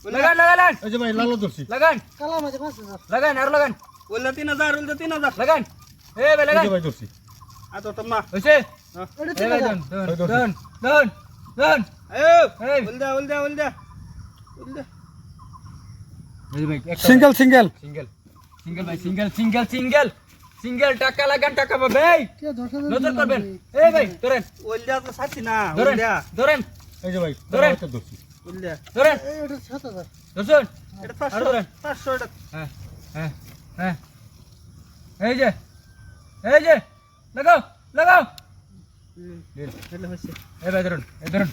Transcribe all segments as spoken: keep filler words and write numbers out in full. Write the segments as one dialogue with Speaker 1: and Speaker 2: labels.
Speaker 1: লাগান লাগান
Speaker 2: এই যে ভাই লাল ধরছি
Speaker 1: লাগান
Speaker 3: কালা মাঝে পাঁচ হাজার
Speaker 1: লাগান আর লাগান
Speaker 4: ওইলা তিন হাজার ওইলা তিন হাজার
Speaker 1: লাগান এ ভাই
Speaker 2: এই
Speaker 1: লাগান
Speaker 2: যে ভাই ধরছি
Speaker 4: আ তো তোমা
Speaker 1: হইছে
Speaker 3: ওটা
Speaker 1: এ
Speaker 3: তিন
Speaker 1: ভাই
Speaker 3: হাজার
Speaker 1: দন দন দন দন
Speaker 4: আয়ো
Speaker 1: এই।
Speaker 4: ওইলা ওইলা ওইলা ওইলা
Speaker 1: এই ভাই
Speaker 2: সিঙ্গেল সিঙ্গেল
Speaker 1: সিঙ্গেল সিঙ্গেল ভাই সিঙ্গেল সিঙ্গেল সিঙ্গেল সিঙ্গেল টাকা লাগান টাকা পাবে এই
Speaker 3: কে দশ হাজার
Speaker 1: নজর করবেন এই ভাই ধরেন
Speaker 4: ওইলা তো সাথী না
Speaker 1: ধরেন
Speaker 4: ওইলা
Speaker 1: ধরেন
Speaker 2: এই যে ভাই
Speaker 1: ধরেন।
Speaker 2: ধরতে ধরছি
Speaker 4: ওইলা
Speaker 1: ধরেন
Speaker 3: এই ওটা সাত হাজার
Speaker 1: ধরছেন
Speaker 4: এটা
Speaker 1: আর
Speaker 4: পাঁচশো
Speaker 1: ধরেন
Speaker 4: পাঁচশো এটা
Speaker 1: হ্যাঁ হ্যাঁ হ্যাঁ এই যে এই যে লাগাও লাগাও
Speaker 4: এটা হইছে
Speaker 1: এই ভাই ধরুন এই ধরুন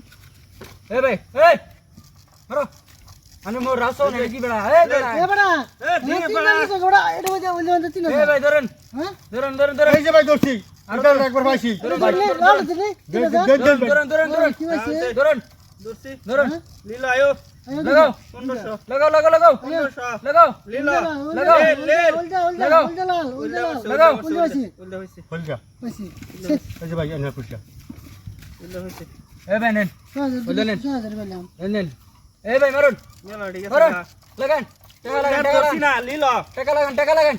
Speaker 1: এই ভাই এই মারো আনে মোর রাসো না কি বেড়া এই বেড়া
Speaker 3: এ বড়া
Speaker 4: এ
Speaker 3: তিন
Speaker 4: দিয়ে
Speaker 3: হাজার
Speaker 4: পড়া
Speaker 3: নিছে গোড়া এটা মাঝে ওইলে মাঝে তিন
Speaker 1: এই
Speaker 3: হাজার
Speaker 1: ভাই ধরুন
Speaker 3: হ্যাঁ
Speaker 1: ধরুন ধরুন ধরুন
Speaker 2: এই যে ভাই ধরছি এটা একবার পাইছি
Speaker 1: ধরুন ভাই
Speaker 3: ধরলে লাল দিলে তিন হাজার
Speaker 2: দেন দেন
Speaker 1: ধরুন ধরুন ধরুন
Speaker 3: কি হইছে
Speaker 1: ধরুন
Speaker 4: দূরছি
Speaker 1: ধরুন
Speaker 4: লীলা আয়ো
Speaker 3: আয়ো
Speaker 1: লাগাও
Speaker 4: পনেরোশো
Speaker 1: লাগাও লাগাও লাগাও
Speaker 4: পনেরোশো
Speaker 1: লাগাও
Speaker 4: লীলা
Speaker 1: লাগাও।
Speaker 3: ওলটা ওলটা
Speaker 1: লাগাও।
Speaker 3: ওলটা লাল ওলটা লাল
Speaker 1: লাগাও।
Speaker 3: ওলটা হইছে
Speaker 4: ওইলা হইছে
Speaker 2: হল যা
Speaker 3: হইছে
Speaker 2: এই যে ভাই এনে পুষলা
Speaker 4: ওইলা হইছে
Speaker 1: এই ভাই নেন
Speaker 3: ছয় হাজার
Speaker 1: ওলটা নেন।
Speaker 3: ছয় হাজার বললাম
Speaker 1: নেন নেন এই ভাই মারুন
Speaker 4: মেলা ঠিক আছে
Speaker 1: মারুন লাগান টাকা লাগান টাকা
Speaker 4: দূরছি
Speaker 1: লাগান
Speaker 4: না লীলা
Speaker 1: টাকা লাগান টাকা লাগান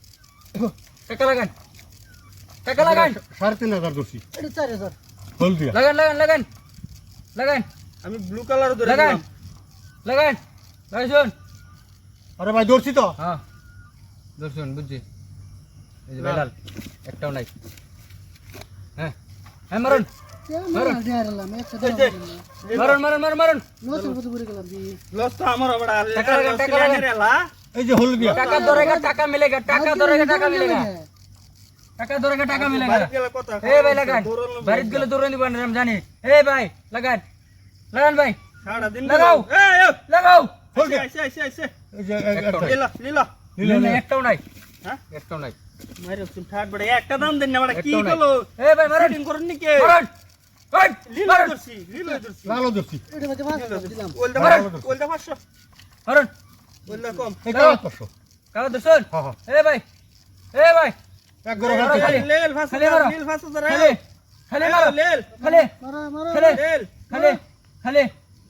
Speaker 1: টাকা লাগান টাকা লাগান
Speaker 2: সাড়ে তিন হাজার ধরছি
Speaker 3: এটা চার হাজার
Speaker 2: হল দিয়া
Speaker 1: লাগান লাগান লাগান লাগান
Speaker 4: আমি ব্লু কালার ধরে
Speaker 1: লাগান
Speaker 4: দিলাম
Speaker 1: লাগান লাগাইছুন
Speaker 2: আরে ভাই ধরছি তো
Speaker 1: হ্যাঁ দর্শন বুঝছি এই যে বেলাল একটাও নাই হ্যাঁ হ্যাঁ মারুন
Speaker 3: মারুন দেয়ারলাম একটা দাও
Speaker 1: মারুন মারুন মারুন মারুন
Speaker 3: লসের মতো করে গেলাম দি
Speaker 4: লস তো আমার বড়
Speaker 1: টাকা লাগান, টাকা লাগান।
Speaker 4: রেলা
Speaker 2: এই যে হল দিয়া
Speaker 1: টাকা ধরেगा টাকা मिलेगा টাকা ধরেगा টাকা मिलेगा টাকা ধরেगा টাকা मिलेगा
Speaker 4: বাড়ি গেলে কথা
Speaker 1: এ ভাই লাগান বাড়িত গেলে দৌড়ে নিবেন আমি জানি এ ভাই লাগান লাগান ভাই
Speaker 4: সারা দিন
Speaker 1: লাগাও।
Speaker 4: এই এই
Speaker 1: লাগাও
Speaker 2: হল দিয়া
Speaker 4: আইছে আইছে আইছে
Speaker 2: এই যে
Speaker 1: একটা।
Speaker 4: লীলা লীলা
Speaker 1: না, একটাও নাই
Speaker 4: হ্যাঁ
Speaker 1: একটাও নাই
Speaker 4: মাইরে তুমি ঠাট বড় একটা দাম দেন না বড় কি
Speaker 1: একটাও নাই
Speaker 4: হলো
Speaker 1: এ ভাই মারুন
Speaker 4: সেটিং করুন নি কে
Speaker 1: মারুন ওই
Speaker 4: লীলা
Speaker 1: মারুন
Speaker 4: ধরছি লীলা ধরছি
Speaker 2: লাল ধরছি
Speaker 3: এটা মধ্যে পাঁচ হাজার দিলাম
Speaker 4: ওলদা
Speaker 2: মারুন।
Speaker 4: ওলদা পাঁচশো
Speaker 1: মারুন
Speaker 4: ওলদা কম
Speaker 2: এই কাজ করছো
Speaker 1: কাগজ দর্শন
Speaker 2: হ্যাঁ হ্যাঁ
Speaker 1: এ ভাই এ ভাই
Speaker 2: এক গরো
Speaker 1: মারো,
Speaker 2: হাতে
Speaker 1: খালি।
Speaker 4: লেল ফাঁস
Speaker 1: খালি মারো।
Speaker 4: লীল ফাঁস ধরে
Speaker 1: খালি খালি মারো
Speaker 4: লেল
Speaker 1: খালি
Speaker 3: মারো মারো
Speaker 1: খালি
Speaker 4: লেল
Speaker 1: খালি খালি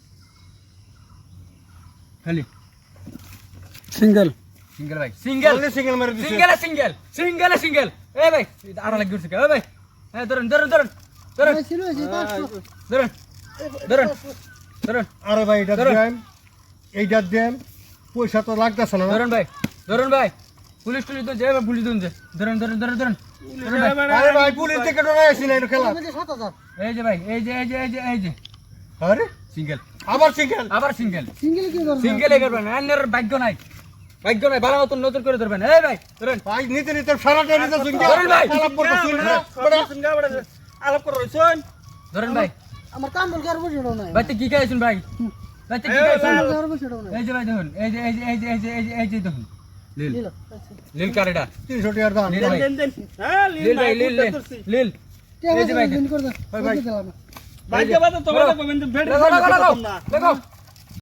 Speaker 1: খালি
Speaker 2: সিঙ্গেল
Speaker 1: সিঙ্গেল ভাই সিঙ্গেল
Speaker 2: সিঙ্গেল সিঙ্গেল মেরে দিছে
Speaker 1: সিঙ্গেল সিঙ্গেল সিঙ্গেল সিঙ্গেল এ ভাই আড়া লাগি উঠছে এ ভাই হ্যাঁ ধরুন ধরুন ধরুন ধরুন
Speaker 3: ছিল যে পাঁচশো
Speaker 1: ধরুন ধরুন ধরুন
Speaker 2: আরে ভাই এটা
Speaker 1: ধরো।
Speaker 2: দেন এইটা দেন পয়সা তো লাগতেছে না
Speaker 1: ধরুন ভাই ধরুন ভাই পুলিশ টুলিশ তো যাবে পুলিশ দুন যে ধরুন ধরুন ধরুন ধরুন ধরুন ভাই।
Speaker 2: আরে ভাই পুলিশ থেকে ডরে আসি না এটা খেলা
Speaker 3: মধ্যে সাত হাজার
Speaker 1: এই যে ভাই এই যে এই যে এই যে এই যে
Speaker 2: আরে
Speaker 1: সিঙ্গেল
Speaker 2: আবার সিঙ্গেল
Speaker 1: আবার সিঙ্গেল
Speaker 3: সিঙ্গেল কি করব
Speaker 1: সিঙ্গেল এ করবেন আন্নের ভাগ্য নাই ভাগ্য নাই ভালো মতন নজর করে ধরবেন এই ভাই ধরেন
Speaker 2: ভাই নিতে নিতে সারাটা নিতে সিঙ্গেল
Speaker 1: ধরুন ভাই।
Speaker 2: আলাপ করতে শুনরা
Speaker 4: বড় সিঙ্গা বড় আলাপ করো শুন
Speaker 1: ধরেন ভাই
Speaker 3: আমার কাম বল কার বসেও নাই
Speaker 1: ভাই তো কি খাইছুন ভাই ভাই তো কি
Speaker 4: এই
Speaker 1: খাইছুন
Speaker 4: লাল।
Speaker 3: কার বসেও নাই
Speaker 1: এই যে ভাই দেখুন এই যে এই যে এই যে এই যে এই যে এই যে দেখুন লীল
Speaker 3: দিল
Speaker 1: লীল কারেডা
Speaker 2: তিনশো টাকার দাম
Speaker 1: লীল
Speaker 4: দেন
Speaker 1: ভাই
Speaker 4: দেন দেন হ্যাঁ
Speaker 1: লীল
Speaker 4: লীল
Speaker 1: ভাই লীল লীল লীল
Speaker 3: কে
Speaker 1: এই যে ভাই
Speaker 3: দিন করে দাও
Speaker 2: ভাই, ভাই।
Speaker 3: দিলাম
Speaker 4: ভাই যাবা তো তোমার কমেন্ট ভেড়
Speaker 1: লাগাও লাগাও লাগাও
Speaker 4: না
Speaker 1: লাগাও